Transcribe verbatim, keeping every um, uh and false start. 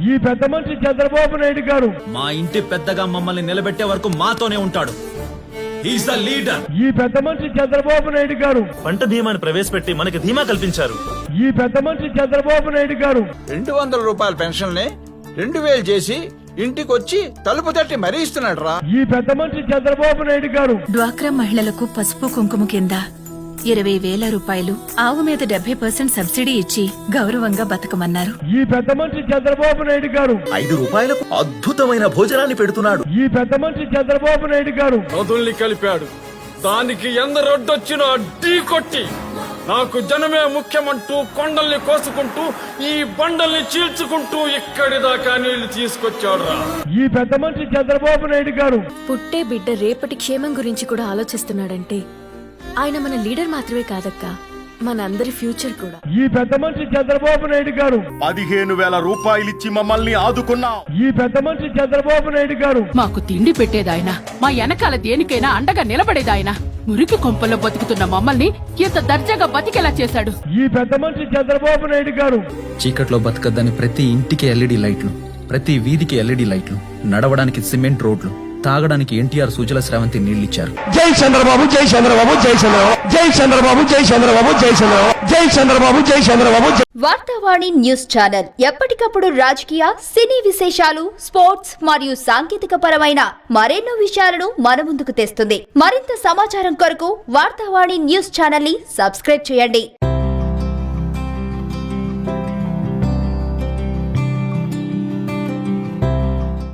ఈ పెద్ద మనిషి చంద్రబాబు నాయుడు గారు మా ఇంటి పెద్దగా మమ్మల్ని నిలబెట్టే వరకు మాతోనే ఉంటాడు. He's the leader. ఈ పెద్ద మనిషి చంద్రబాబు నాయుడు గారు పంట బీమాను ప్రవేశపెట్టి మనకి ధీమా కల్పించారు. ఈ పెద్ద మనిషి చంద్రబాబు నాయుడు గారు రెండు వందల రూపాయల పెన్షన్ ని రెండు వేలు చేసి ఇంటికొచ్చి తలుపు తట్టి మరీ ఇస్తున్నాడు రా. ఈ పెద్ద మనిషి చంద్రబాబు నాయుడు గారు డ్వాక్రా మహిళలకు పసుపు కుంకుమ కింద ఇరవై వేల రూపాయలు, ఆవు మీద డెబ్బై పర్సెంట్ సబ్సిడీ ఇచ్చి గౌరవంగా బతకమన్నారు. ఈ పెద్ద మనిషి చంద్రబాబు నాయుడు గారు ఐదు రూపాయలకు అద్భుతమైన భోజనాన్ని పెడుతున్నాడు. ఈ పెద్ద మనిషి చంద్రబాబు నాయుడు గారు నదుల్ని కలిపాడు. దానికి ఎందరొడ్డొచ్చినా ఢీ కొట్టి నాకు జనమే ముఖ్యమంటూ కొండల్ని కోసుకుంటూ ఈ బండల్ని చీల్చుకుంటూ ఇక్కడి దాకా నీళ్లు తీసుకొచ్చాడు రా. ఈ పెద్ద మనిషి చంద్రబాబు నాయుడు గారు పుట్టే బిడ్డ రేపటి క్షేమం గురించి కూడా ఆలోచిస్తున్నాడంటే ఆయన మన లీడర్ మాత్రమే కాదక్క, మన అందరి ఫ్యూచర్ కూడా. ఈ పెద్ద మనిషి చంద్రబాబు నాయుడు గారు పదిహేను వేల రూపాయలిచ్చి మమ్మల్ని ఆదుకున్నా. ఈ పెద్ద మనిషి చంద్రబాబు నాయుడు గారు మాకు తిండి పెట్టేదాయన, మా వెనకాల దేనికైనా అండగా నిలబడేదాయన. మురికి కొంపల్లో బతుకుతున్న మమ్మల్ని ఇంత దర్జాగా బతికేలా చేశాడు. ఈ పెద్ద మనిషి చంద్రబాబు నాయుడు గారు చీకట్లో బతకద్దని ప్రతి ఇంటికి ఎల్ఈడి లైట్లు, ప్రతి వీధికి ఎల్ఈడి లైట్లు, నడవడానికి సిమెంట్ రోడ్లు, తాగడానికి ఎన్టీఆర్ సుజల స్రవంతి నీళ్లిచ్చారు. జై చంద్రబాబు, జై చంద్రబాబు, జై చంద్రబాబు, జై చంద్రబాబు, జై చంద్రబాబు, జై చంద్రబాబు, జై చంద్రబాబు, జై చంద్రబాబు. వార్తావాణి న్యూస్ ఛానల్ ఎప్పటికప్పుడు రాజకీయ, సినీ విశేషాలు, స్పోర్ట్స్ మరియు సాంకేతిక పరమైన మరెన్నో విషయాలను మన ముందుకు తెస్తుంది. మరింత సమాచారం కొరకు వార్తావాణి న్యూస్ ఛానల్ ని సబ్స్క్రైబ్ చేయండి.